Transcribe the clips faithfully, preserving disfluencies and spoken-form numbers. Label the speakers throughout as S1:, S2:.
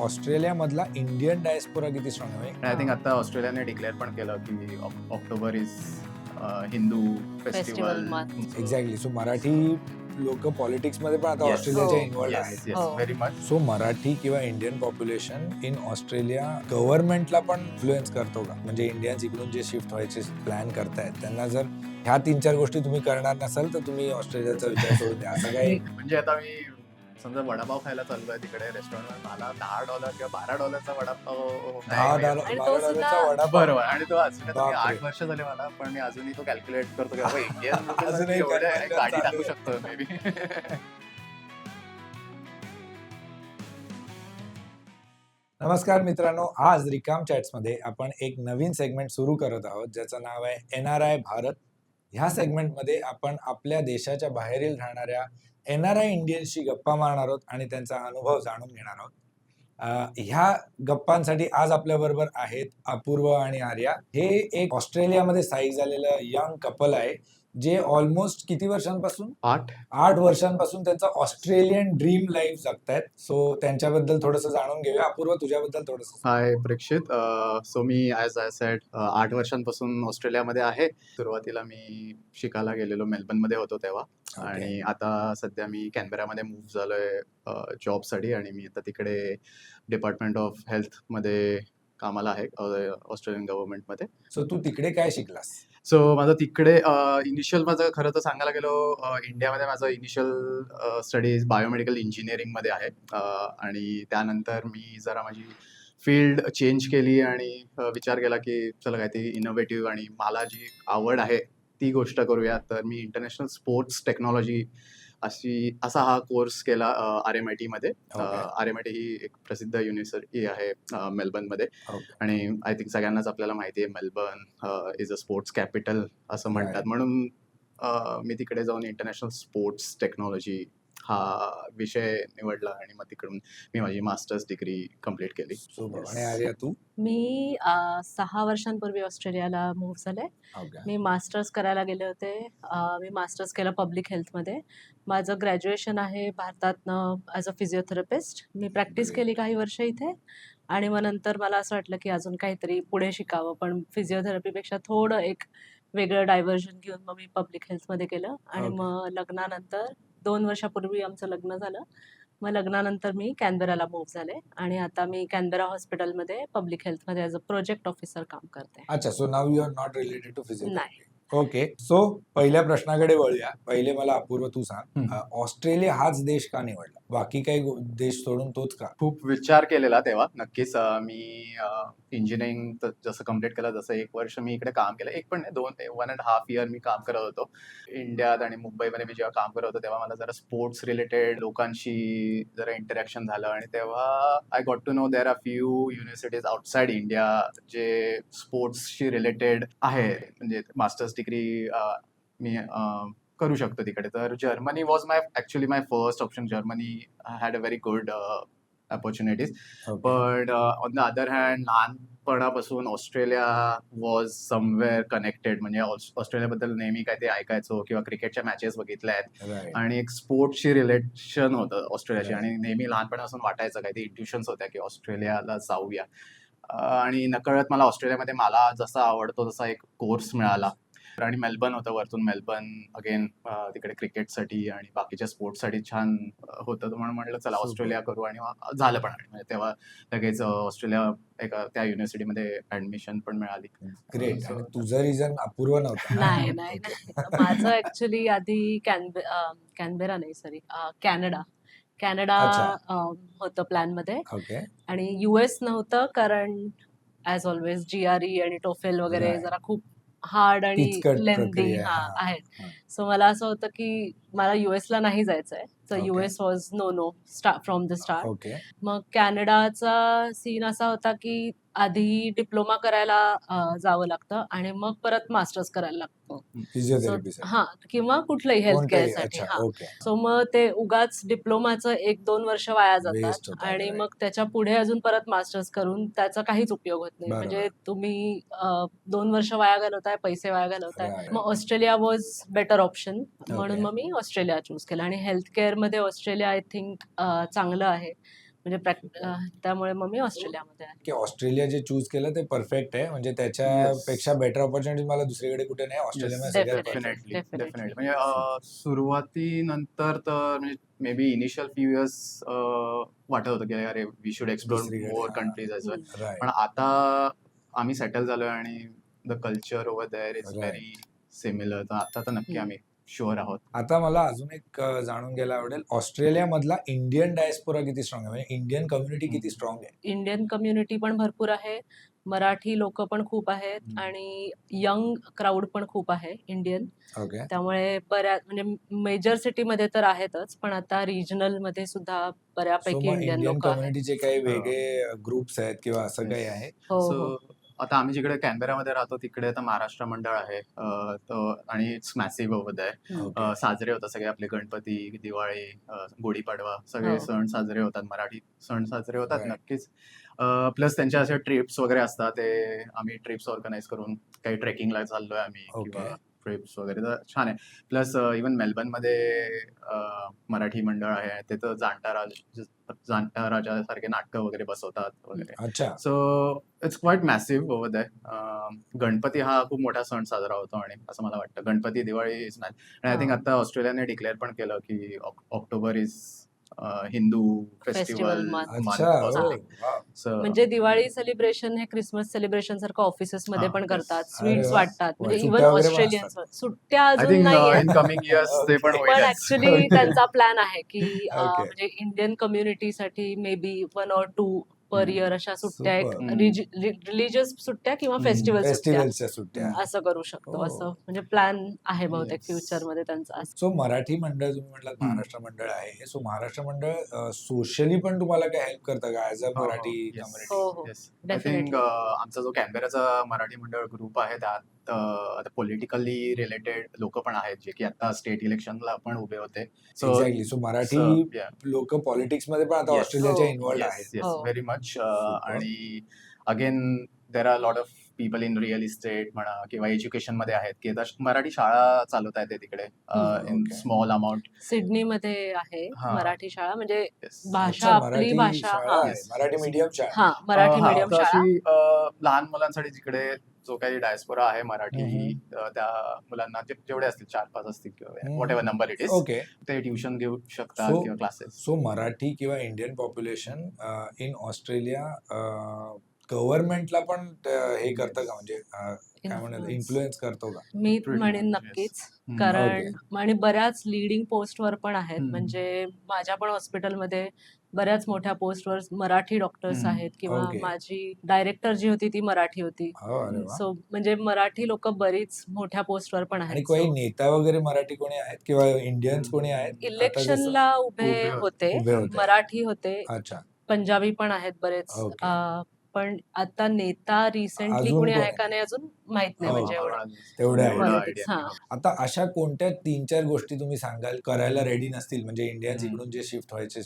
S1: Australia मधला Indian diaspora किती strong आहे?
S2: आय थिंक आता ऑस्ट्रेलियाने डिक्लेअर पण केलं की ऑक- October is Hindu festival
S3: month.
S1: Exactly. So Marathi लोक पॉलिटिक्स मध्ये पण आता
S2: Yes.
S1: ऑस्ट्रेलियाच्या
S3: हो.
S1: इन्व्हॉल्ड
S2: येस
S1: आहेत.
S2: येस
S3: हो.
S2: Very much.
S1: सो मराठी किंवा इंडियन पॉप्युलेशन इन ऑस्ट्रेलिया गव्हर्नमेंटला पण इन्फ्लुएन्स करतो का? म्हणजे इंडियन्स इकडून जे शिफ्ट व्हायचे प्लॅन करतायत त्यांना जर ह्या तीन चार गोष्टी तुम्ही करणार नसाल तर तुम्ही ऑस्ट्रेलियाचा विचार सोडून द्या, असं काही?
S2: म्हणजे आता मी समजा वडापाव खायला चाललोय तिकडे रेस्टॉरंट, मला दहा डॉलर किंवा बारा डॉलरचा वडापाव
S1: दहा
S2: नाही
S1: डॉलर
S2: मिळत.
S3: आणि
S1: बारा
S3: तो
S1: डॉलरचा
S3: सुद्धा-
S1: वडापाव.
S2: बरोबर. आणि तो अजून आता मी
S1: बापरे.
S2: आठ वर्ष झाले मला, पण मी अजूनही तो कॅल्क्युलेट करतो की बाबा इंडियन
S1: अजूनही calculate
S2: गाडी
S1: चालू
S2: टाकू
S1: आहे.
S2: शकतो मे बी.
S1: नमस्कार मित्रांनो, आज रिकाम चॅट्स मध्ये आपण एक नवीन सेगमेंट सुरू करत आहोत ज्याचं नाव आहे एन आर आय भारत. ह्या सेगमेंटमध्ये आपण आपल्या देशाच्या बाहेरील राहणाऱ्या एन आर आय इंडियन्सशी गप्पा मारणार आहोत आणि त्यांचा अनुभव जाणून घेणार आहोत. अं, ह्या गप्पांसाठी आज आपल्या बरोबर आहेत अपूर्व आणि आर्या. हे एक ऑस्ट्रेलियामध्ये स्थायिक झालेलं यंग कपल आहे जे ऑलमोस्ट किती वर्षांपासून
S2: आठ
S1: आठ वर्षांपासून त्यांचा ऑस्ट्रेलियन ड्रीम लाईफ जगतायत. सो त्यांच्याबद्दल थोडंसं जाणून घेऊया. अपूर्व, तुझ्याबद्दल थोडंसं.
S2: हाय प्रेक्षित. सो मी ॲज आय सेड आठ वर्षांपासून ऑस्ट्रेलियामध्ये आहे. सुरुवातीला मी शिकायला गेलेलो, मेलबर्नमध्ये होतो तेव्हा.
S1: Okay.
S2: आणि आता सध्या मी कॅनबेरामध्ये मूव्ह झालोय जॉबसाठी, आणि मी आता तिकडे डिपार्टमेंट ऑफ हेल्थमध्ये कामाला आहे ऑस्ट्रेलियन गव्हर्नमेंटमध्ये.
S1: सो तू तिकडे काय शिकलास?
S2: सो माझं तिकडे इनिशियल माझं खरं तर सांगायला गेलो, अ, इंडियामध्ये माझं इनिशियल स्टडीज बायोमेडिकल इंजिनिअरिंगमध्ये आहे. अ, आणि त्यानंतर मी जरा माझी फील्ड चेंज केली आणि अ, विचार केला की चला काहीतरी इनोव्हेटिव्ह आणि मला जी आवड आहे ती गोष्ट करूया. तर मी इंटरनॅशनल स्पोर्ट्स टेक्नॉलॉजी अशी असा हा कोर्स केला आर एम आय टीमध्ये.
S1: Okay.
S2: R M I T ही एक प्रसिद्ध युनिव्हर्सिटी आहे अ, मेलबर्नमध्ये.
S1: Okay.
S2: आणि आय थिंक सगळ्यांनाच आपल्याला माहिती आहे Melbourne is a sports capital असं म्हणतात.
S1: Right.
S2: म्हणून अ, मी तिकडे जाऊन इंटरनॅशनल स्पोर्ट्स टेक्नॉलॉजी हा विषय निवडला आणि मग तिकडून मी माझी मास्टर्स डिग्री कम्प्लीट केली.
S1: सो आणि आर्या, तू?
S3: मी अ, सहा वर्षांपूर्वी ऑस्ट्रेलियाला मूव्ह झाले.
S1: Okay.
S3: मी मास्टर्स करायला गेले होते. अ, मी मास्टर्स केलं पब्लिक हेल्थमध्ये. माझं ग्रॅज्युएशन आहे भारतातनं ॲज अ फिजिओथेरपिस्ट. मी प्रॅक्टिस
S1: Great.
S3: केली काही वर्ष इथे, आणि मग नंतर मला असं वाटलं की अजून काहीतरी पुढे शिकावं, पण फिजिओथेरपीपेक्षा थोडं एक वेगळं डायव्हर्जन घेऊन मग मी पब्लिक हेल्थमध्ये केलं. आणि
S1: Okay.
S3: मग लग्नानंतर दोन वर्षापूर्वी आमचं लग्न झालं. मग लग्नानंतर मी कॅनबेराला मूव्ह झाले आणि आता मी कॅनबेरा हॉस्पिटलमध्ये पब्लिक हेल्थमध्ये ॲज अ प्रोजेक्ट ऑफिसर काम करते.
S1: अच्छा, so now you are not related to physiotherapy.
S3: नाही.
S1: ओके. सो पहिल्या प्रश्नाकडे वळूया. पहिले मला अपूर्व तू सांग,
S2: हम्म.
S1: अ, ऑस्ट्रेलिया हाच देश का निवडला? बाकी काही गो- देश सोडून तोच का?
S2: खूप विचार केलेला तेव्हा. नक्कीच अ, मी इंजिनिअरिंग जसं कम्प्लीट केलं, जसं एक वर्ष मी इकडे काम केलं, एक पण नाही, दोन वन अँड हाफ इयर मी काम करत होतो इंडियात. आणि मुंबईमध्ये मी जेव्हा काम करत होतो तेव्हा मला जरा स्पोर्ट्स रिलेटेड लोकांशी जरा इंटरॅक्शन झालं, आणि तेव्हा I got to know there are few universities outside India जे स्पोर्ट्सशी रिलेटेड आहे, म्हणजे मास्टर्स डिग्री मी अ, करू शकतो तिकडे. तर Germany was my actually my first option. Germany had a very good opportunities.
S1: Okay.
S2: पण ऑन द अदर हँड लहानपणापासून ऑस्ट्रेलिया वॉज समवेअर कनेक्टेड. म्हणजे ऑस- ऑस्ट्रेलियाबद्दल नेहमी काय ते ऐकायचो किंवा क्रिकेटच्या मॅचेस बघितल्या आहेत,
S1: Right.
S2: आणि एक स्पोर्ट्सची रिलेशन होतं ऑस्ट्रेलियाशी.
S1: Right.
S2: आणि नेहमी लहानपणापासून वाटायचं काही ते इंट्युशन्स होत्या की ऑस्ट्रेलियाला जाऊया. अ, आणि नकळत मला ऑस्ट्रेलियामध्ये मला जसा आवडतो तसा एक कोर्स मिळाला. आणि मेलबर्न होतं वरतून. मेलबर्न अगेन तिकडे क्रिकेटसाठी आणि बाकीच्या स्पोर्ट्ससाठी छान अ, होतं. तर म्हणून म्हटलं चला
S1: Super.
S2: ऑस्ट्रेलिया करू, आणि मग झालं पण. आणि म्हणजे तेव्हा लगेच अ, ऑस्ट्रेलिया एका त्या युनिव्हर्सिटीमध्ये ऍडमिशन पण मिळाली.
S1: ग्रेट.
S2: So-
S1: आणि तुझं रिझन अपूर्व नव्हता?
S3: नाही नाही नाही. माझं ऍक्च्युली आधी कॅनबे अ, कॅनबेरा नाही सॉरी कॅनडा कॅनडा
S1: अच्छा.
S3: अ, होतं प्लॅनमध्ये.
S1: ओके.
S3: आणि युएस नव्हतं, कारण as always G R E आणि टोफेल वगैरे
S1: Right.
S3: जरा खूप हार्ड आणि
S1: किचकट
S3: लेंदी
S1: प्रक्रिया आहे.
S3: हा
S1: हा.
S3: आहेत.
S1: हा.
S3: सो मला असं होतं की मला युएसला नाही जायचंय. So
S1: Okay.
S3: US was no no start from the start.
S1: Okay.
S3: मग कॅनडाचा सीन असा होता की आधी डिप्लोमा करायला अ, जावं लागतं आणि मग परत मास्टर्स करायला लागतं.
S1: फिजिओथेरपी
S3: हा, किंवा कुठलंही हेल्थ
S1: कोणतंही.
S3: केअरसाठी.
S1: अच्छा.
S3: हा.
S1: ओके.
S3: सो मग ते उगाच डिप्लोमाचं एक दोन वर्ष वाया
S1: Waste
S3: जातात,
S1: होतात,
S3: आणि
S1: right.
S3: मग त्याच्या पुढे अजून परत मास्टर्स करून त्याचा काहीच उपयोग होत नाही.
S1: बरोबर.
S3: म्हणजे तुम्ही अ, दोन वर्ष वाया घालवताय, पैसे वाया घालवताय.
S1: Right.
S3: मग ऑस्ट्रेलिया वॉज बेटर ऑप्शन, म्हणून
S1: Okay.
S3: मग मी ऑस्ट्रेलिया चूज केलं. आणि हेल्थ केअरमध्ये ऑस्ट्रेलिया आय थिंक चांगलं आहे. म्हणजे प्रॅक्ट- अं, त्यामुळे मग मी ऑस्ट्रेलियामध्ये आहे.
S1: की ऑस्ट्रेलिया जे चूज केलं ते परफेक्ट आहे, म्हणजे त्याच्यापेक्षा बेटर ऑपॉर्च्युनिटी मला दुसरीकडे कुठे नाही, ऑस्ट्रेलियामध्ये सगळ्यात
S3: Definitely.
S1: perfect.
S2: Definitely
S3: definitely.
S2: Definitely म्हणजे अं, सुरुवातीनंतर तर म्हणजे maybe initial few years वाटत होतं की अरे वी शुड एक्सप्लोर
S1: दुसरीकडे,
S2: मोर
S1: हा.
S2: Countries as well.
S3: Hmm.
S1: Right
S2: पण आता आम्ही सेटल झालोय आणि the culture over there is
S1: Right.
S2: Very similar. तर आता तर नक्की
S3: हम्म.
S2: आम्ही शुअर आहोत.
S1: आता मला अजून एक अ, जाणून घ्यायला आवडेल, ऑस्ट्रेलियामधला इंडियन डायस्पोरा किती स्ट्रॉंग आहे, म्हणजे इंडियन कम्युनिटी किती
S2: हम्म.
S1: स्ट्रॉंग आहे?
S3: इंडियन कम्युनिटी पण भरपूर आहे, मराठी लोक पण खूप आहेत
S2: हम्म.
S3: आणि यंग क्राऊड पण खूप आहे इंडियन.
S1: ओके.
S3: त्यामुळे बऱ्याच म्हणजे मेजर सिटीमध्ये तर आहेतच, पण आता रिजनल मध्ये सुद्धा
S1: सो
S3: बऱ्यापैकी
S1: मग
S3: इंडियन
S1: इंडियन
S3: लोक आहेत.
S1: कम्युनिटीचे काही
S2: हो.
S1: वेगळे ग्रुप्स आहेत किंवा असं काही
S2: Yes.
S1: आहे?
S3: हो
S2: सो
S3: हो
S2: आता आम्ही जिकडे कॅनबेरामध्ये राहतो तिकडे आता महाराष्ट्र मंडळ आहे अं, तो- आणि इट्स मॅसिव्ह ओव्हर आहे.
S3: हम्म.
S1: ओके.
S2: साजरे होतात सगळे आपले गणपती, दिवाळी, अं, गुढीपाडवा सगळे
S3: हो
S2: सण साजरे होतात, मराठी सण साजरे होतात
S1: Right.
S2: नक्कीच. प्लस त्यांच्या असे ट्रिप्स वगैरे असतात, ते आम्ही ट्रिप्स ऑर्गनाईज करून काही ट्रेकिंगला चाललोय आम्ही
S1: ओके.
S2: किंवा ट्रिप्स वगैरे, तर छान आहे. प्लस इवन मेलबर्नमध्ये अं, मराठी मंडळ आहे, ते तर जाणता राज जाणता राजासारखे नाटकं वगैरे बसवतात वगैरे.
S1: अच्छा.
S2: So it's quite massive over that. Ganpati हा खूप मोठा सण साजरा होतो आणि असं मला वाटतं गणपती, दिवाळी इज मॅच. आणि आय थिंक
S3: हा
S2: आता ऑस्ट्रेलियाने डिक्लेअर पण केलं की ऑक- October is Hindu festival
S3: festival month.
S1: अच्छा.
S2: मंथ
S1: ओ
S2: और
S3: हा
S2: समथिंग.
S1: वाव.
S2: सो
S3: म्हणजे दिवाळी सेलिब्रेशन हे क्रिसमस सेलिब्रेशन सारखं ऑफिसेस मध्ये
S2: हा
S3: पण
S2: येस
S3: करतात,
S2: येस
S1: अरे
S3: स्वीट्स
S1: वा.
S3: वाटतात,
S1: वा,
S3: म्हणजे इवन
S1: सुट्ट्या वगैरे पण
S3: ऑस्ट्रेलियन्स
S1: असतात.
S3: सुट्ट्या
S2: आय
S3: अजून
S2: थिंक
S3: नाहीयेत,
S2: इन कमिंग इयर्स ते पण
S1: ओके.
S3: पण
S2: होईलच.
S3: Actually
S1: okay.
S3: त्यांचा प्लॅन आहे की अं,
S1: ओके.
S3: म्हणजे इंडियन कम्युनिटीसाठी maybe one or two per
S2: hmm.
S3: Year अशा सुट्ट्या, एक
S1: सुपर.
S2: हम्म.
S3: रिलिजियस सुट्ट्या किंवा
S2: हम्म.
S3: फेस्टिवल सुट्ट्या
S1: फेस्टिवलच्या सुट्ट्या.
S2: हम्म.
S3: असं करू शकतो, असं
S1: ओ.
S3: म्हणजे प्लॅन आहे बहुतेक
S2: येस.
S3: फ्युचर मध्ये त्यांचा.
S1: सो मराठी मंडळ तुम्ही म्हटलात,
S2: हम्म.
S1: महाराष्ट्र मंडळ आहे, सो महाराष्ट्र मंडळ सोशली पण तुम्हाला काय हेल्प करतं का ऍज अ
S2: हो हो
S1: मराठी
S2: येस
S1: कम्युनिटी?
S3: हो हो
S2: येस आय थिंक
S3: डेफिनेटली.
S2: आमचा जो कॅनबेराचा मराठी मंडळ ग्रुप आहे त्यात अं, आता पॉलिटिकली रिलेटेड लोक पण आहेत जे की आता स्टेट इलेक्शनला पण उभे होते. So
S1: exactly. सो मराठी
S2: या
S1: लोक पॉलिटिक्स मध्ये पण आता
S2: येस
S1: ऑस्ट्रेलियाच्या
S3: हो
S1: इन्व्हॉल्ड
S2: येस
S1: आहेत.
S2: येस
S3: हो
S2: व्हेरी मच.
S1: सुपर.
S2: आणि again there are lot of people in real estate म्हणा किंवा एज्युकेशन मध्ये आहेत की आता मराठी शाळा चालवत आहेत ते तिकडे
S3: hmm.
S2: In
S1: okay.
S2: Small amount.
S3: Sydney मध्ये आहे
S2: हा
S3: मराठी शाळा, म्हणजे
S2: येस
S3: भाषा
S1: अच्छा,
S3: आपली
S1: मराठी
S3: भाषा.
S1: शाळा
S3: हा
S1: आहे,
S2: येस
S1: मराठी मीडियम शाळा.
S3: हा मराठी
S2: हा
S3: मीडियम
S2: तर
S3: शाळा.
S2: अशी अ, लहान मुलांसाठी जिकडे जो काही डायस्पोरा आहे मराठी
S1: हम्म.
S2: अ, त्या मुलांना जे- जेवढे असतील चार पाच असतील किंवा what
S1: hmm.
S2: Ever number it is,
S1: okay.
S2: ते ट्युशन घेऊ शकतात
S1: सो
S2: किंवा क्लासेस.
S1: सो मराठी किंवा इंडियन पॉप्युलेशन इन ऑस्ट्रेलिया गव्हर्नमेंटला पण त- हे करतं का, म्हणजे अ, काय म्हणतात,
S3: Influence.
S1: इन्फ्लुएन्स करतो का?
S3: मी
S2: Pretty
S3: म्हणेन
S2: much, yes.
S3: नक्कीच,
S2: हम्म.
S3: कारण
S1: ओके.
S3: आणि बऱ्याच लिडिंग पोस्टवर पण आहेत,
S2: हम्म.
S3: म्हणजे माझ्या पण हॉस्पिटलमध्ये बऱ्याच मोठ्या पोस्टवर मराठी डॉक्टर्स
S2: हम्म.
S3: आहेत, किंवा
S1: ओके.
S3: माझी डायरेक्टर जी होती ती मराठी होती.
S1: हो, अरे वा.
S3: सो म्हणजे मराठी लोक बरीच मोठ्या पोस्टवर पण
S1: आणि
S3: आहेत.
S1: काही
S3: सो
S1: नेता वगैरे मराठी कोणी आहेत किंवा इंडियन्स कोणी आहेत आता जसं
S3: इलेक्शनला उभे
S2: उभे होते.
S3: होते,
S1: उभे होते?
S3: मराठी होते,
S1: अच्छा.
S3: पंजाबी पण आहेत बरेच.
S1: ओके.
S3: अं, पण आता नेता रिसेंटली
S1: अजून
S3: कोणी आहे
S1: कोणी?
S3: का नाही अजून माहित नाही,
S1: हो.
S3: म्हणजे
S2: आम्हाला
S3: एवढं
S1: तेवढं
S2: एवढं
S1: idea.
S3: पॉलिटिक्स.
S2: idea
S3: हा
S2: नाही.
S1: आता अशा कोणत्या तीन चार गोष्टी तुम्ही सांगाल करायला रेडी नसतील, म्हणजे इंडियन्स
S2: हम्म.
S1: इकडून जे शिफ्ट व्हायचे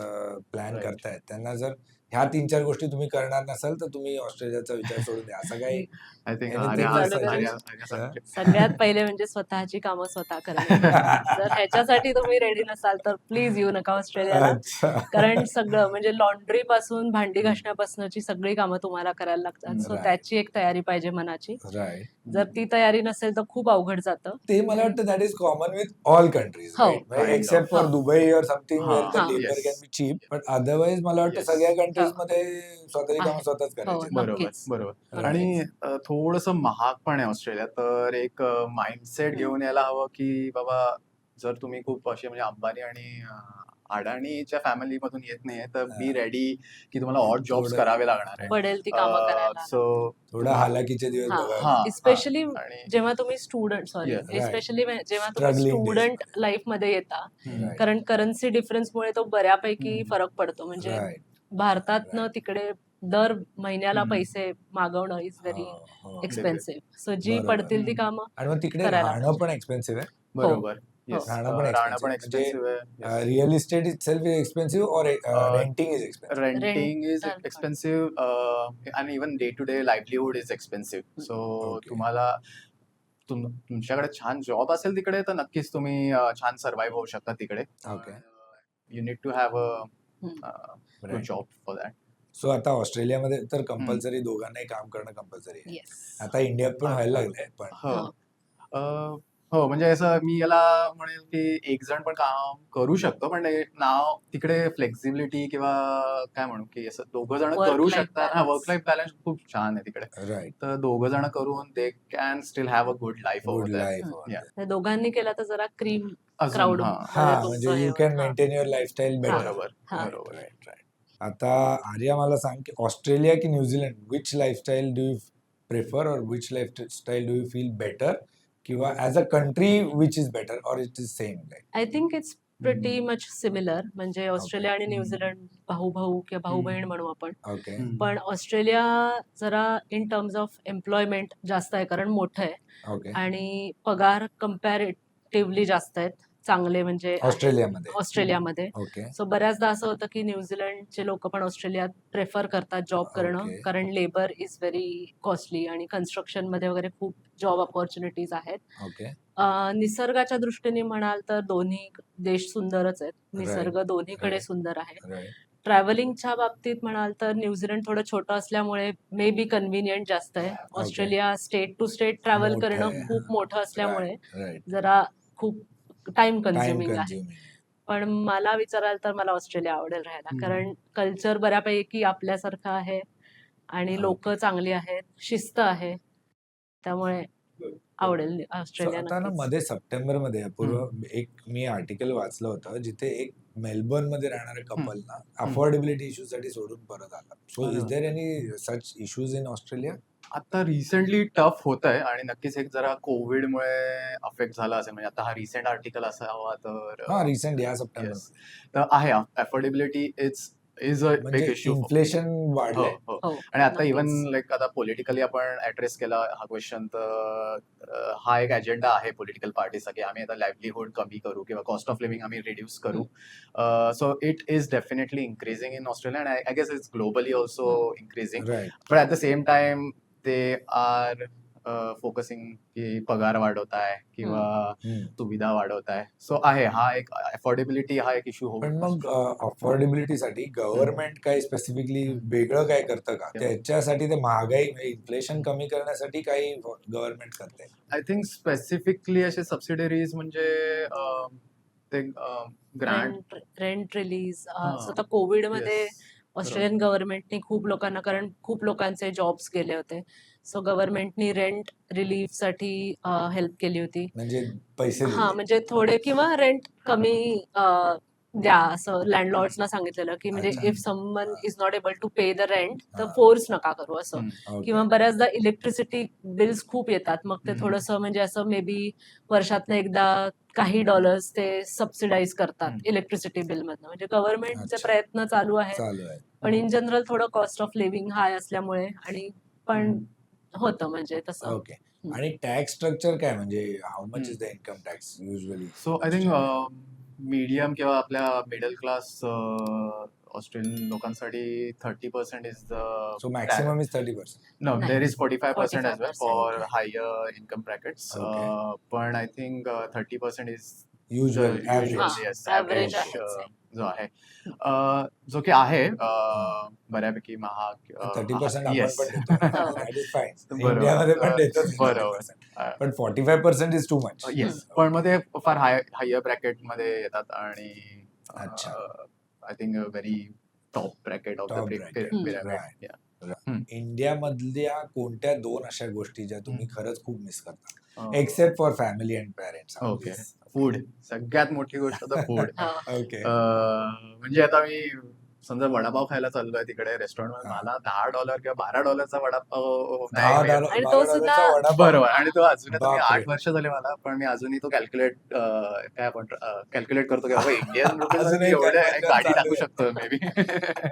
S1: प्लॅन
S2: Right.
S1: करतायत त्यांना, जर ह्या तीन चार गोष्टी तुम्ही करणार नसाल तर तुम्ही ऑस्ट्रेलियाचा विचार सोडून द्या, असं काही
S2: आय थिंक
S1: anything
S2: आर्या
S3: चालू
S1: suggest?
S3: करू?
S2: आर्या आर्या सांगते.
S3: सगळ्यात पहिले म्हणजे स्वतःची कामं स्वतः करणे. जर ह्याच्यासाठी तुम्ही रेडी नसाल तर प्लीज येऊ नका ऑस्ट्रेलियाला.
S1: अच्छा.
S3: कारण सगळं म्हणजे लॉन्ड्री पासून भांडी घासण्यापासूनची सगळी कामं तुम्हाला करायला लागतात. So
S1: Right.
S3: त्याची एक तयारी पाहिजे मनाची.
S1: राईट.
S3: जर ती तयारी नसेल तर खूप अवघड जातं.
S1: ते मला वाटतं that is common with all countries,
S3: हो.
S1: Right,
S2: Kind
S1: except
S3: of.
S1: For Dubai or something
S2: हा,
S1: वेअर द
S3: हा.
S1: Labour
S2: yes.
S1: Can be cheap, but otherwise मला वाटतं
S2: Yes.
S1: सगळ्या कंट्रीज मध्ये स्वतःची कामं
S3: आहे.
S1: स्वतःच
S3: हो,
S1: करायची.
S2: बरोबर
S3: नक्कीच.
S2: बरोबर.
S1: Right.
S2: आणि थोडस महाग पण आहे ऑस्ट्रेलिया, तर एक माइंडसेट
S3: हम्म.
S2: घेऊन यायला हवं की बाबा जर तुम्ही खूप असे म्हणजे अंबानी आणि अं, अडाणीच्या फॅमिली मधून येत नाहीये तर बी
S1: हा.
S2: रेडी की तुम्हाला ऑड जॉब्स
S1: थोडं-
S2: करावे लागणार आहे.
S3: पडेल ती कामं करायला.
S2: सो
S1: थोडा हालाकीचे दिवस
S3: हा.
S1: बघावे
S2: हा,
S1: लागतील.
S3: स्पेशली
S2: आणि
S3: जेव्हा तुम्ही student sorry
S2: Yes.
S1: Right.
S3: Especially जेव्हा तुम्ही
S1: Struggling days.
S3: स्टुडंट लाईफ मध्ये येता,
S1: Right.
S3: कारण करन्सी डिफरन्समुळे तो बऱ्यापैकी
S2: हम्म.
S3: फरक पडतो. म्हणजे
S1: Right.
S3: भारतातनं
S1: Right.
S3: तिकडे दर महिन्याला
S2: हम्म.
S3: पैसे मागवणं इज व्हेरी
S1: हो, हो.
S3: एक्सपेन्सिव्ह. सो जी
S1: बरोबर.
S3: पडतील ती कामं
S1: आणि मग तिकडे
S3: करायला
S1: राहणं
S3: पाहिजे.
S1: पण एक्सपेन्सिव्ह आहे.
S2: बरोबर.
S3: हो.
S2: Yes.
S1: राहणं पण
S2: अं, राहणं पण
S1: expensive.
S2: एक्सपेन्सिव्ह आहे. Yes.
S1: Real estate is self is expensive or
S2: Uh,
S1: renting is expensive?
S2: Renting is
S3: Rental पण.
S2: एक्सपेन्सिव्ह आणि even day to day livelihood is expensive. So
S1: Okay.
S2: तुम्हाला तुम तुमच्याकडे छान जॉब असेल तिकडे तर नक्कीच तुम्ही अं, छान सर्व्हाइव्ह होऊ शकता तिकडे.
S1: Okay.
S2: You need to have a
S3: hmm.
S2: Good job for that.
S1: So आता ऑस्ट्रेलियामध्ये तर कंपल्सरी दोघांनाही काम करणं कंपल्सरी आहे.
S3: येस.
S1: आता इंडियात पण व्हायला लागलंय पण
S2: हो.
S3: हो.
S2: अं, हो म्हणजे असं मी याला म्हणेल की एक जण पण काम करू शकतो, पण हे नाव तिकडे फ्लेक्झिबिलिटी किंवा काय म्हणू की असं दोघं जण
S3: Work
S2: करू
S3: life
S2: शकतात. हा,
S3: balance.
S2: वर्क लाईफ बॅलन्स खूप छान आहे तिकडे.
S1: राईट
S2: तर दोघं जण करून they can still have a good life
S1: good
S2: over there.
S1: Life
S3: hmm.
S2: Yeah.
S3: तर दोघांनी केला तर जरा क्रीम
S2: अजून
S3: क्राऊड
S2: हा
S1: हा
S3: मध्ये
S1: म्हणजे
S3: तुमचं हे
S1: यू
S3: होईल.
S1: कॅन
S3: हा.
S1: मेंटेन युअर लाईफस्टाईल
S3: हा.
S1: बेटर.
S2: बरोबर
S3: हा.
S2: बरोबर.
S1: Right right. आता आर्या मला सांग की ऑस्ट्रेलिया की New Zealand which lifestyle do you prefer or which lifestyle do you feel better किंवा as a country which is better or it is same like.
S3: I think it's pretty much similar. म्हणजे Australia आणि New Zealand भाऊ भाऊ किंवा भाऊ बहीण म्हणू आपण.
S1: ओके
S3: पण ऑस्ट्रेलिया जरा इन टर्म्स ऑफ एम्प्लॉयमेंट जास्त आहे कारण मोठं आहे
S1: ओके
S3: आणि पगार कम्पॅरेटिव्हली जास्त आहेत चांगले म्हणजे आहेत
S1: ऑस्ट्रेलियामध्ये
S3: ऑस्ट्रेलियामध्ये.
S1: ओके
S3: सो बऱ्याचदा असं होतं की न्यूझीलंडचे लोक पण ऑस्ट्रेलियात प्रेफर करतात जॉब करणं
S1: Okay.
S3: कारण लेबर इज व्हेरी कॉस्टली आणि कन्स्ट्रक्शन मध्ये वगैरे खूप जॉब ऑपॉर्च्युनिटीज आहेत.
S1: ओके
S3: अं, निसर्गाच्या दृष्टीने म्हणाल तर दोन्ही देश सुंदरच आहेत.
S1: Right.
S3: निसर्ग दोन्हीकडे
S1: Right.
S3: सुंदर आहे.
S1: राईट
S3: ट्रॅव्हलिंगच्या बाबतीत म्हणाल तर न्यूझीलंड थोडं छोटं असल्यामुळे मे बी कन्व्हिनियंट जास्त आहे. Australia state to state travel
S1: मोठं
S3: करणं
S1: आहे.
S3: खूप मोठं असल्यामुळे
S1: राईट
S3: जरा खूप टाइम
S1: टाइम
S3: कन्झ्युमिंग आहे.
S1: कन्झ्युमिंग.
S3: पण मला विचाराल तर मला ऑस्ट्रेलिया आवडेल राहायला
S2: हम्म.
S3: कारण कल्चर बऱ्यापैकी आपल्यासारखं आहे आणि लोक
S1: Okay.
S3: चांगली आहेत, शिस्त आहे, त्यामुळे आवडेल
S1: So
S3: ऑस्ट्रेलिया
S1: आता ना
S3: नक्कीच.
S1: मध्ये सप्टेंबर मध्ये अपूर्व एक मी आर्टिकल वाचलं होतं जिथे एक मेलबर्न मध्ये राहणाऱ्या कपलना अफोर्डेबिलिटी इश्यू साठी सोडून परत आला. सो
S2: अरे
S1: इज
S2: वा.
S1: There any such issues in Australia?
S2: आता रिसेंटली टफ होत आहे आणि नक्कीच एक जरा कोविडमुळे अफेक्ट झाला असेल. म्हणजे आता हा रिसेंट आर्टिकल असावा तर
S1: हा रिसेंट या सप्टेंबर
S2: येस. तर आहे affordability is is a big
S1: म्हणजे
S2: इश्यू.
S1: इन्फ्लेशन
S2: हो
S1: वाढलंय.
S2: हो.
S3: हो
S2: आणि आता इवन
S3: नक्कीच.
S2: लाईक आता पॉलिटिकली आपण ऍड्रेस केला हा क्वेश्चन तर अं, हा एक अजेंडा आहे पॉलिटिकल पार्टीचा की आम्ही आता लाईव्हलीहूड कमी करू किंवा कॉस्ट ऑफ लिव्हिंग आम्ही रिड्यूस करू. So it is definitely increasing in Australia and I guess it's globally also increasing.
S1: Right
S2: पण ऍट द सेम टाइम ते आर फोकसिंग की पगार वाढवत आहे किंवा सुविधा वाढवत आहे. सो आहे हा एक अफोर्डेबिलिटी हा एक इश्यू होऊ
S1: पण मग
S2: शकतो.
S1: अफोर्डेबिलिटी साठी गव्हर्नमेंट काही स्पेसिफिकली वेगळं काय करतं का? त्याच्यासाठी ते महागाई म्हणजे इन्फ्लेशन कमी करण्यासाठी काही गव्हर्नमेंट करते?
S2: आय थिंक स्पेसिफिकली असे सबसिडरीज म्हणजे अं, ते ग्रँड
S3: रेंट रेंट रिलीज
S2: हा.
S3: आता कोविड मध्ये
S2: येस
S3: ऑस्ट्रेलियन गव्हर्नमेंटनी खूप लोकांना कारण खूप लोकांचे जॉब्स गेले होते सो गव्हर्नमेंटनी रेंट रिलीफ साठी हेल्प केली होती.
S1: म्हणजे पैसे
S3: हा
S1: दिले.
S3: म्हणजे थोडे किंवा रेंट कमी अ, द्या असं लँडलॉर्ड्सना सांगितलेलं की म्हणजे
S1: अच्छा.
S3: If someone is not able to pay the rent तर
S1: हा.
S3: फोर्स नका करू असं.
S2: हम्म.
S3: किंवा
S1: ओके.
S3: बऱ्याचदा इलेक्ट्रिसिटी बिल्स खूप येतात मग ते
S2: हम्म.
S3: थोडंसं म्हणजे असं मे बी वर्षातनं एकदा काही डॉलर्स ते सबसिडाईज करतात
S2: हम्म.
S3: इलेक्ट्रिसिटी बिल मधनं. म्हणजे गव्हर्नमेंटचे
S1: अच्छा.
S3: प्रयत्न चालू आहेत
S1: चालू आहे.
S3: पण इन जनरल थोडं कॉस्ट ऑफ लिव्हिंग हाय असल्यामुळे आणि पण होतं म्हणजे तसं.
S1: ओके. आणि टॅक्स स्ट्रक्चर काय म्हणजे how much
S2: hmm.
S1: Is the income tax usually?
S2: So I think medium किंवा आपल्या मिडल क्लास ऑस्ट्रेलियन लोकांसाठी thirty percent is the
S1: so maximum is thirty percent.
S2: No,
S3: नाही.
S2: there is forty-five percent as well for
S1: Okay.
S2: higher income brackets.
S1: Okay.
S2: Uh, but I think uh, thirty percent is
S1: usual
S2: the
S1: average.
S2: usual,
S3: हा,
S2: yes,
S3: average
S2: average
S3: आहेच
S2: uh,
S3: आहे.
S2: जो आहे uh, जो की आहे uh, बऱ्यापैकी महाग uh,
S1: थर्टी
S2: आहे.
S1: पर्सेंट आपण
S2: Yes.
S1: पण देतो.
S3: हो.
S1: That is fine.
S2: बरोबर.
S1: इंडियामध्ये पण
S2: अं,
S1: देतो
S2: बरोबर.
S1: पर्सेंट.
S2: अं,
S1: पण forty five percent is too much.
S2: Yes पण मग ते फार हाय हायर ब्रॅकेट मध्ये येतात आणि
S1: अच्छा.
S2: I think very top bracket of the
S1: Top bracket. Right.
S2: हम्म.
S1: इंडियामधल्या कोणत्या दोन अशा गोष्टी ज्या तुम्ही
S2: हम्म.
S1: खरंच खूप मिस करता?
S2: Uh,
S1: except for family and parents.
S2: Okay. Food सगळ्यात मोठी गोष्ट तर फूड.
S3: हा.
S1: ओके.
S2: म्हणजे आता मी समजा वडापाव खायला चाललोय तिकडे रेस्टॉरंट मध्ये
S1: हा.
S2: मला दहा डॉलर किंवा बारा डॉलरचा वडापाव
S1: दहा
S2: नाही
S1: डॉलर
S2: मिळत.
S3: आणि
S1: बारा
S3: तो
S1: डॉलरचा
S3: सुद्धा-
S1: वडापाव.
S2: बरोबर आणि तो अजून आता मी
S1: बापरे.
S2: आठ वर्ष झाले मला पण मी अजूनही तो कॅल्क्युलेट काय आपण कॅल्क्युलेट करतो की बाबा इंडियन रुपीज
S1: अजूनही
S2: एवढे
S1: conversion
S2: गाडी
S1: चालू
S2: टाकू
S1: आहे.
S2: शकतो मे बी.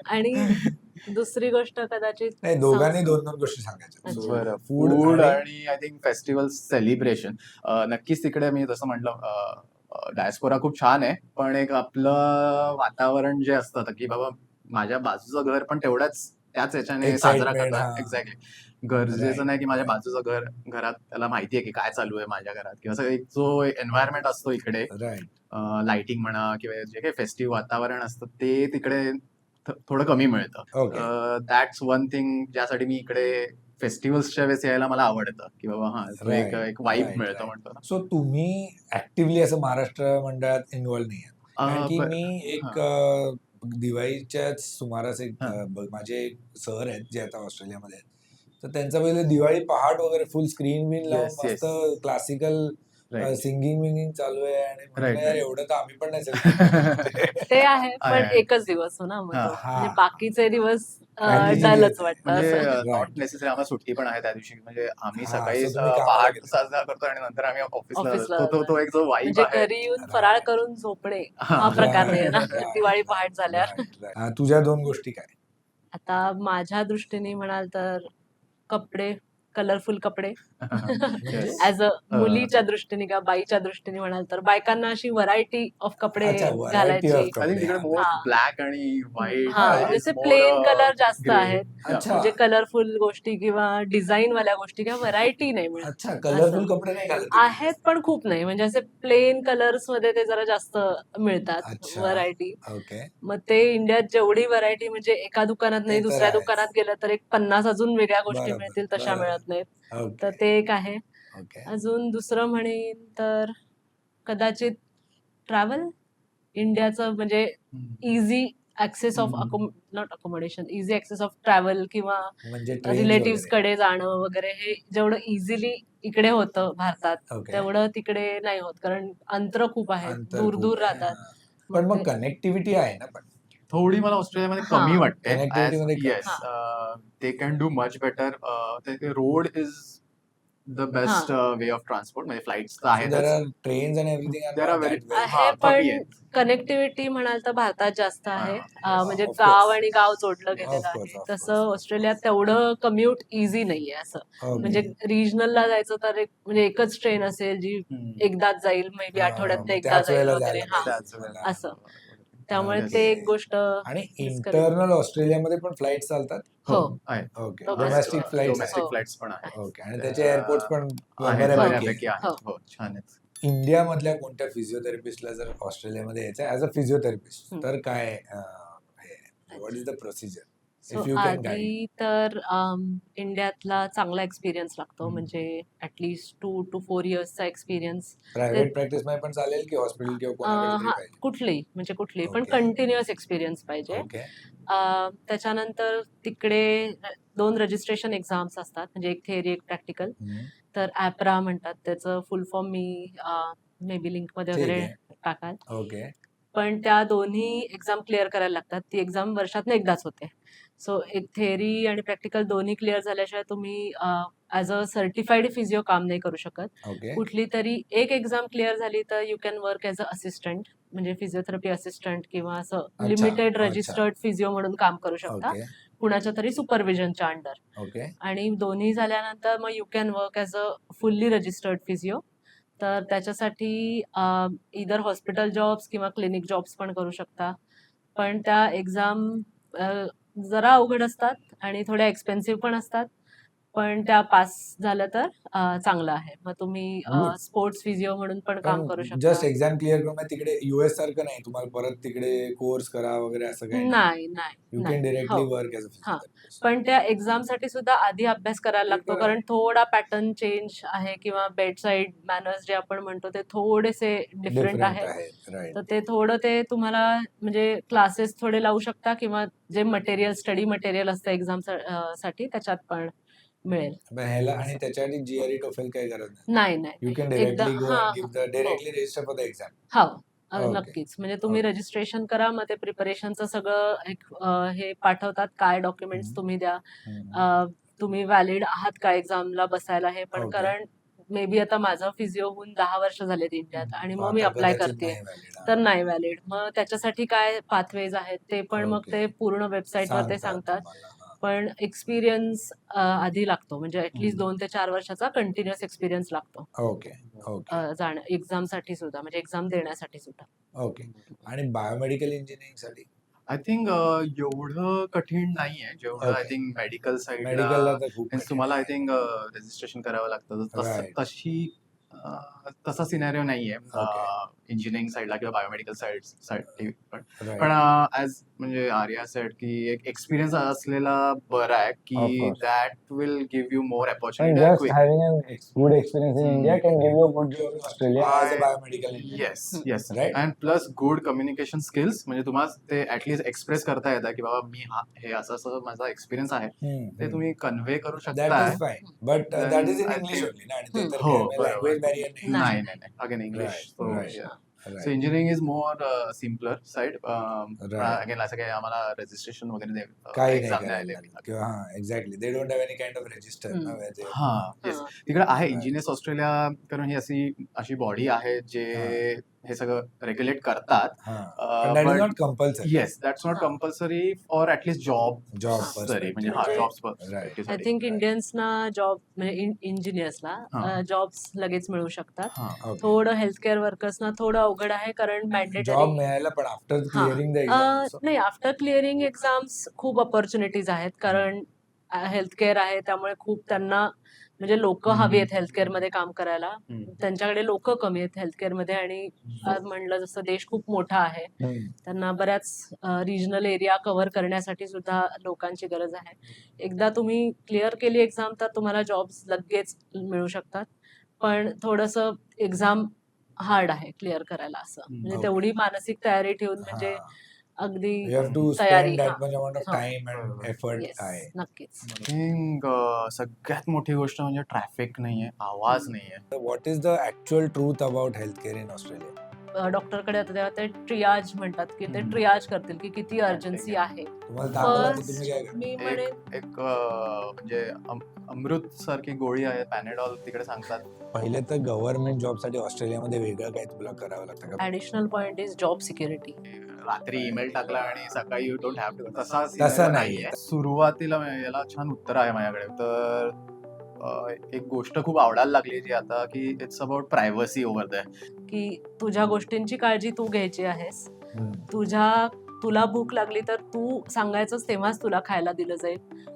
S3: आणि दुसरी गोष्ट कदाचित
S1: नाही दोघांनी
S3: संस्कृ-
S1: दोन दोन गोष्टी सांगायच्या.
S3: अच्छा.
S1: So,
S2: बरं
S1: food
S2: फूड
S1: आणि
S2: आणि आय थिंक फेस्टिवल सेलिब्रेशन नक्कीच तिकडे मी जसं म्हटलं डायस्पोरा खूप छान आहे पण एक आपलं वातावरण जे असतं की बाबा माझ्या बाजूचं घर पण तेवढ्याच त्याच याच्याने साजरा
S1: Excitement,
S2: करतात.
S1: हा.
S2: एक्झॅक्टली. गरजेचं
S1: Right,
S2: नाही की माझ्या
S1: right.
S2: बाजूचं घर घरात त्याला माहिती आहे की काय चालू आहे माझ्या घरात, किंवा असं एक जो एन्व्हायरमेंट असतो इकडे,
S1: राईट.
S2: लाइटिंग म्हणा किंवा जे काही फेस्टिव्ह वातावरण असतं ते तिकडे थ- थोडं कमी मिळतं.
S1: ओके.
S2: दॅट्स वन थिंग ज्यासाठी मी इकडे फेस्टिवल्सच्या वेळेस यायला मला आवडतं, की बाबा हा तो एक
S1: राईट,
S2: एक वाईब
S1: राईट,
S2: मिळतो
S1: राईट.
S2: म्हणतो ना.
S1: सो तुम्ही ऍक्टिव्हली असं महाराष्ट्र मंडळात इन्व्हॉल्व नाही आहात. कारण
S2: अं,
S1: की
S2: ब-
S1: मी
S2: हा.
S1: एक अ, दिवाळीच्याच सुमारास एक
S2: हा.
S1: अ, ब- माझे एक सर आहेत जे आता ऑस्ट्रेलियामध्ये आहेत. तर त्यांचं पहिले दिवाळी पहाट वगैरे फुल स्क्रीन बिन लावून
S2: Yes,
S1: मस्त
S2: yes.
S1: Classical
S2: Right.
S1: सिंगिंग विंगिंग चालू आहे आणि म्हटलं
S2: Right,
S1: यार
S2: right.
S1: एवढं तर आम्ही पण नाही celebrate
S3: ते आहे,
S2: आहे,
S3: पण
S2: आहे.
S3: एकच दिवस हो ना मग
S2: हा.
S3: तो.
S1: हा.
S3: म्हणजे बाकीचे दिवस
S1: Continuity
S3: डलच
S1: येते.
S3: वाटतं
S2: म्हणजे
S3: असं.
S2: Not
S1: Right.
S2: नेसेसरी आम्हाला सुट्टी पण आहे त्या दिवशी, म्हणजे आम्ही
S1: हा,
S2: सकाळी
S1: so तुम्ही
S2: अं,
S1: कामाला
S2: पहाट
S1: गेला.
S2: साजरा करतो आणि नंतर आम्ही ऑफिसला
S3: ऑफिसला
S2: तो तो तो एक जो वाईब
S3: म्हणजे
S2: आहे.
S3: घरी येऊन फराळ
S1: Right.
S3: करून झोपणे
S2: हा.
S3: हा प्रकार नाही ना
S1: Right, right,
S3: दिवाळी
S1: right,
S3: पहाट झाल्यावर.
S1: right, right. अ, तुझ्या दोन गोष्टी काय?
S3: आता माझ्या दृष्टीने म्हणाल तर कपडे, कलरफुल कपडे.
S2: Yes.
S3: ऍज अ
S2: अं,
S3: मुलीच्या दृष्टीने किंवा बाईच्या दृष्टीने म्हणाल तर बायकांना अशी व्हरायटी ऑफ कपडे
S1: अच्छा, variety
S3: घालायची.
S1: of
S2: आय थिंक
S1: कपडे.
S2: तिकडे
S1: हा.
S2: मोर
S3: हा.
S2: ब्लॅक आणि व्हाईट
S3: हा,
S1: हा.
S3: जसे प्लेन कलर जास्त आहेत.
S1: अच्छा.
S3: म्हणजे कलरफुल गोष्टी किंवा डिझाईन वाल्या गोष्टी किंवा व्हरायटी नाही मिळत.
S1: अच्छा, कलरफुल
S3: असं.
S1: कपडे नाही घालत तुम्ही?
S3: आहेत पण खूप नाही, म्हणजे असे प्लेन कलर्स मध्ये ते जरा जास्त मिळतात
S1: अच्छा.
S3: व्हरायटी.
S1: ओके.
S3: मग ते इंडियात जेवढी व्हरायटी म्हणजे एका दुकानात नाही
S1: ते तर
S3: दुसऱ्या
S1: आहेच.
S3: दुकानात गेलं तर एक पन्नास अजून वेगळ्या गोष्टी
S1: बरोबर,
S3: मिळतील, तशा
S1: बरोबर.
S3: मिळत नाहीत.
S1: ओके.
S3: तर ते एक आहे.
S1: ओके.
S3: अजून दुसरं म्हणेन तर कदाचित ट्रॅव्हल. इंडियाचं म्हणजे easy access of
S2: hmm.
S3: Not accommodation, easy access of travel किंवा
S1: म्हणजे ट्रेन्स
S3: रिलेटिव्स
S1: वगैरे.
S3: कडे जाणं वगैरे हे जेवढं इझिली इकडे होतं भारतात,
S1: ओके.
S3: तेवढं तिकडे नाही होत, कारण अंतर खूप आहेत,
S1: अंतर
S3: दूर
S1: खूप
S3: दूर
S1: आहे.
S3: राहतात.
S1: हा. पण
S3: मग
S1: मग
S3: ते
S1: कनेक्टिव्हिटी आहे ना पण.
S2: थोडी मला ऑस्ट्रेलियामध्ये
S3: हा.
S2: कमी वाटते.
S1: Connectivity मध्ये कमी.
S2: Yes, they can do much better. Road is the best way of transport, म्हणजे फ्लाइट्स तर
S1: So there
S2: आहेतच.
S1: are trains and everything are
S2: There
S1: not
S2: are very-
S1: that well.
S3: आहे,
S2: हा,
S3: पण
S2: कमी आहेत.
S3: कनेक्टिव्हिटी म्हणाल तर भारतात जास्त आहे.
S2: हा,
S3: अं, म्हणजे
S1: of
S3: गाव
S1: course.
S3: आणि गाव जोडलं
S1: Of
S3: गेलेलं
S1: course,
S3: आहे.
S1: of
S3: तसं
S1: course.
S3: ऑस्ट्रेलियात तेवढं कम्युट इझी नाहीये असं. म्हणजे
S1: ओके.
S3: रिजनलला जायचं तर एक म्हणजे एकच ट्रेन असेल जी
S2: हम्म.
S3: एकदाच जाईल, मे बी
S1: हा,
S3: आठवड्यात
S1: मग
S3: एकदा
S1: त्याच
S3: जाईल
S1: वेळेला
S3: वगैरे.
S1: जायला
S3: हा,
S1: पाहिजे
S2: त्याच
S1: तुम्हाला.
S3: असं. त्यामुळे
S1: ओके.
S3: ते एक गोष्ट
S1: आणि
S3: discourage.
S1: इंटरनल ऑस्ट्रेलियामध्ये पण फ्लाईट चालतात?
S3: हो.
S2: आहे.
S1: Okay.
S3: Domestic.
S1: Domestic flights
S2: domestic
S3: हो.
S2: फ्लाइट्स पण आहेत.
S1: ओके. आणि
S2: तर,
S1: त्याचे एअरपोर्ट पण
S2: आहेत,
S1: बऱ्यापैकी
S2: बऱ्यापैकी
S1: आहेत.
S2: आहेत. हो, छान आहेत.
S1: इंडियामधल्या कोणत्या फिजिओथेरपिस्टला जर ऑस्ट्रेलियामध्ये यायचं ऍज अ फिजिओथेरपिस्ट
S3: हम्म.
S1: तर काय what is the procedure
S3: so
S1: if you can guide?
S3: आधी तर अम, इंडियातला चांगला एक्सपिरियन्स लागतो,
S1: हम्म.
S3: म्हणजे ऍटलीस्ट टू टू फोर इयर्सचा एक्सपिरियन्स.
S1: प्रायव्हेट प्रॅक्टिस मध्ये पण चालेल की हॉस्पिटल किंवा कोणाकडे तरी
S3: हा,
S1: पाहिजे?
S3: कुठली म्हणजे कुठली पण
S1: ओके.
S3: कंटिन्युअस एक्सपिरियन्स पाहिजे.
S1: ओके.
S3: अं, त्याच्यानंतर तिकडे दोन रजिस्ट्रेशन एक्झाम्स असतात, म्हणजे एक थेअरी एक प्रॅक्टिकल.
S1: हम्म.
S3: तर ॲपरा म्हणतात त्याचं फुल form, me may be link मध्ये
S1: ठीक
S3: वगैरे
S1: आहे.
S3: टाकाल.
S1: ओके.
S3: पण त्या दोन्ही एक्झाम क्लिअर करायला लागतात. ती एक्झाम वर्षातनं एकदाच होते. सो एक थेअरी आणि प्रॅक्टिकल दोन्ही क्लिअर झाल्याशिवाय तुम्ही ऍज अ सर्टिफाईड फिजिओ काम नाही करू शकत.
S1: ओके.
S3: कुठली तरी एक एक्झाम क्लिअर झाली तर you can work as a assistant, म्हणजे फिजिओथेरपी असिस्टंट किंवा असं
S1: अच्छा,
S3: लिमिटेड
S1: अच्छा.
S3: रजिस्टर्ड फिजिओ म्हणून काम करू शकता,
S1: ओके.
S3: कुणाच्या तरी सुपरविजनच्या अंडर.
S1: ओके.
S3: आणि दोन्ही झाल्यानंतर मग you can work as a fully registered physio. तर त्याच्यासाठी इधर हॉस्पिटल जॉब्स किंवा क्लिनिक जॉब्स पण करू शकता. पण त्या एक्झाम जरा अवघड असतात आणि थोड्या एक्सपेन्सिव्ह पण असतात. पण त्या पास झालं तर अं, चांगलं आहे. मग तुम्ही
S1: Good.
S3: स्पोर्ट्स फिजिओ म्हणून पण काम करू
S1: पण
S3: शकता.
S1: जस्ट एक्झाम क्लिअर करून तिकडे युएस सारखं नाही तुम्हाला परत तिकडे कोर्स करा वगैरे असं काही
S3: नाही नाही
S1: यू
S3: नाही.
S1: कॅन डिरेक्टली
S3: हो.
S1: वर्क एज अ
S3: हा.
S1: फिजिओथेरपिस्ट.
S3: पण त्या एक्झाम साठी सुद्धा आधी अभ्यास करायला
S1: ते
S3: लागतो,
S1: तर
S3: कारण थोडा पॅटर्न चेंज आहे किंवा बेडसाईड मॅनर्स जे आपण म्हणतो ते थोडेसे डिफरंट
S1: डिफरंट
S3: आहेत.
S1: आहेत. राईट.
S3: तर ते थोडं ते तुम्हाला म्हणजे क्लासेस थोडे लावू शकता किंवा जे मटेरियल स्टडी मटेरियल असतं एक्झाम साठी त्याच्यात पण मिळेल.
S1: ह्याला आणि त्याच्यासाठी जीआरई टोफेल काही गरज नाही.
S3: नाही नाही
S1: यू कॅन
S3: एकदा
S1: डिरेक्टली गो
S3: हा
S1: अँड गिव्ह द
S3: हो
S1: directly register for the exam.
S3: हो अ,
S1: ओके.
S3: नक्कीच. म्हणजे तुम्ही
S1: ओके.
S3: रजिस्ट्रेशन करा, मग ते प्रिपरेशनचं सगळं एक अ, हे पाठवतात, काय डॉक्युमेंट्स
S1: हम्म.
S3: तुम्ही द्या,
S1: हम्म.
S3: अ, तुम्ही व्हॅलिड आहात का एक्झामला बसायला, हे पण.
S1: ओके.
S3: कारण मे बी आता माझं फिजिओ होऊन दहा वर्ष झालेत इंडियात आणि मग मी
S1: आता
S3: अप्लाय
S1: कदाचित
S3: करते,
S1: नाही valid.
S3: तर
S1: हा.
S3: नाही व्हॅलिड. मग त्याच्यासाठी काय पाथवेज आहेत ते पण मग
S1: ओके.
S3: ते पूर्ण वेबसाईटवर ते
S1: सांगतात
S3: सांगतात.
S1: तुम्हाला. हा.
S3: पण एक्सपिरियन्स आधी लागतो, म्हणजे ऍटलीस्ट
S1: हम्म.
S3: दोन ते चार वर्षाचा कंटिन्युअस एक्सपिरियन्स लागतो
S1: ओके. ओके.
S3: अ, जाणं एक्झामसाठी सुद्धा, म्हणजे एक्झाम देण्यासाठी सुद्धा.
S1: ओके. आणि बायोमेडिकल इंजिनिअरिंग साठी
S2: आय थिंक एवढं कठीण नाहीये जेवढं आय
S1: Okay.
S2: थिंक मेडिकल साईडला
S1: मेडिकलला तर खूप
S2: मीन्स
S1: कठीण
S2: तुम्हाला आय
S1: आहे.
S2: थिंक रजिस्ट्रेशन करावं लागतं तर तसं
S1: Right.
S2: तशी अं, तसा सिनॅरिओ नाहीये
S1: Okay.
S2: इंजिनिअरिंग साईडला किंवा बायोमेडिकल साईड साठी पण
S1: Right.
S2: पण ऍज म्हणजे आर्या सेड की एक एक्सपिरियन्स असलेला बरा आहे
S1: Of
S2: की
S1: course.
S2: That will give you more
S1: And
S2: opportunity
S1: just
S2: quick
S1: having a ex- good experience in
S2: Hmm.
S1: India can give you a good job in Australia as a
S2: I-
S1: biomedical engineer.
S2: Yes yes
S1: Right?
S2: And plus good communication skills म्हणजे तुम्हाला ते at least express करता येतं की बाबा मी हा हे असं असं माझा एक्सपिरियन्स आहे
S1: Hmm,
S2: ते
S1: hmm.
S2: तुम्ही कन्व्हे करू
S1: That
S2: शकताय
S1: is fine. But uh,
S2: Then
S1: that is in
S2: I
S1: English
S2: think-
S1: only, ना? आणि ते
S3: Hmm.
S1: तर
S2: हो
S1: काही language barrier
S2: बरोबर
S1: नाही.
S2: नाही नाही नाही again English
S1: Right,
S2: so
S1: right.
S2: So
S1: Right.
S2: Engineering is more simpler side
S1: Right.
S2: Again असं काही आम्हाला रजिस्ट्रेशन वगैरे दे-
S1: काही नाही
S2: exam
S1: करायला
S2: द्यायला
S1: लागत.
S2: लागते.
S1: किंवा हा exactly they don't have any kind of register ना
S3: Hmm.
S1: where they-
S2: हा येस
S3: हा.
S2: तिकडे आहे
S1: Right.
S2: इंजिनियर्स ऑस्ट्रेलिया कारण ही अशी अशी बॉडी आहे जे हे सगळं रेग्युलेट करतात
S1: हा. But that is
S2: but-
S1: not compulsory.
S2: Yes that's not
S3: हा.
S2: Compulsory for at least job
S1: Job
S3: हा.
S2: सरी म्हणजे हा
S3: म्हणजे-
S2: जॉब्स
S1: Right.
S3: आय थिंक इंडियन्सना जॉब म्हणजे
S2: हा.
S3: इंजिनियर्सला जॉब्स लगेच मिळू शकतात.
S2: हा
S1: Okay.
S3: थोडं हेल्थकेअर वर्कर्सना थोडं अवघड आहे कारण
S1: जॉब
S3: मॅन्डेटरी
S1: मिळायला पण आफ्टर
S3: हा.
S1: क्लिअरिंग द एक्झाम
S3: नाही आफ्टर क्लिअरिंग एक्झाम्स खूप ऑपॉर्च्युनिटीज आहेत कारण हेल्थकेअर आहे त्यामुळे खूप त्यांना म्हणजे लोक
S2: हम्म.
S3: हवी आहेत हेल्थकेअर मध्ये काम करायला.
S2: हम्म.
S3: त्यांच्याकडे लोक कमी आहेत हेल्थकेअर मध्ये आणि आज म्हणलं जसं देश खूप मोठा आहे त्यांना बऱ्याच रिजनल एरिया कव्हर करण्यासाठी सुद्धा लोकांची गरज आहे. एकदा तुम्ही क्लिअर केली एक्झाम तर तुम्हाला जॉब्स लगेच मिळू शकतात पण थोडंसं एक्झाम हार्ड आहे क्लिअर करायला असं म्हणजे
S1: Okay.
S3: तेवढी मानसिक तयारी ठेवून म्हणजे अगदी
S1: यू हॅव टू
S3: तयारी,
S1: स्पेंड दॅट
S3: हा.
S1: मच अमाउंट ऑफ
S3: हा.
S1: टाइम अँड एफर्ट
S3: येस
S1: आहे.
S3: नक्कीच.
S2: थिंक सगळ्यात मोठी गोष्ट म्हणजे ट्रॅफिक नाहीये आवाज नाहीये
S1: what is the actual truth about health care in Australia?
S3: डॉक्टरकडे आता तेव्हा ते ट्रियाज म्हणतात की ते
S2: हम्म.
S3: ट्रियाज करतील की किती अर्जन्सी आहे.
S1: तुम्हाला दाखवला तर
S3: First,
S1: तुम्ही काय करता?
S3: मी
S2: एक
S3: म्हणेन
S2: एक अं, म्हणजे अम- अमृत सारखी गोळी आहे पॅनेडॉल तिकडे सांगतात
S1: पहिले तर गव्हर्नमेंट जॉब साठी ऑस्ट्रेलियामध्ये वेगळं काय तुला करावं लागतं का?
S3: Additional point is job security.
S2: रात्री ईमेल टाकला आणि सकाळी यू डोंट हॅव टू तसा
S1: तसं
S2: scenario
S1: नाहीये.
S2: नाहीये. सुरुवातीला याला छान उत्तर आहे माझ्याकडे तर अं, एक गोष्ट खूप आवडायला लागली जी आता की it's about privacy over the
S3: की तुझ्या गोष्टींची काळजी तू घ्यायची आहेस.
S1: हम्म.
S3: तुझ्या तुला भूक लागली तर तू सांगायचंच तेव्हाच तुला खायला दिलं जाईल.